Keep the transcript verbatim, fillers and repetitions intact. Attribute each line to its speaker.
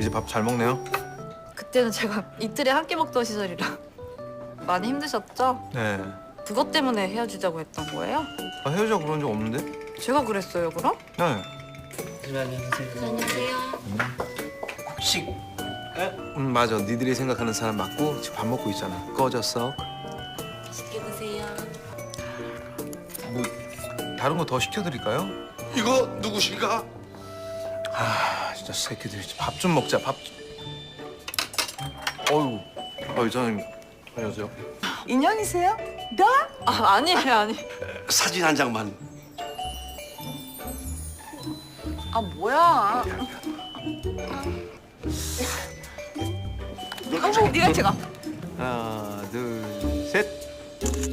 Speaker 1: 이제 밥 잘 먹네요?
Speaker 2: 그때는 제가 이틀에 한 끼 먹던 시절이라 많이 힘드셨죠?
Speaker 1: 네.
Speaker 2: 그것 때문에 헤어지자고 했던 거예요?
Speaker 1: 아, 헤어져 그런 적 없는데?
Speaker 2: 제가 그랬어요, 그럼?
Speaker 1: 네.
Speaker 3: 안녕하세요.
Speaker 1: 혹시 음 맞아. 니들이 생각하는 사람 맞고 지금 밥 먹고 있잖아. 꺼졌어?
Speaker 3: 맛있게 드세요.
Speaker 1: 뭐 다른 거 더 시켜드릴까요?
Speaker 4: 이거 누구신가?
Speaker 1: 아 진짜 새끼들 밥 좀 먹자. 밥. 어유, 어 이사님 안녕하세요.
Speaker 5: 인형이세요?
Speaker 2: 아, 아니에요, 아니.
Speaker 4: 사진 한 장만.
Speaker 5: 아 뭐야?
Speaker 2: 한복 네가 찍어.
Speaker 1: 하나, 둘, 셋.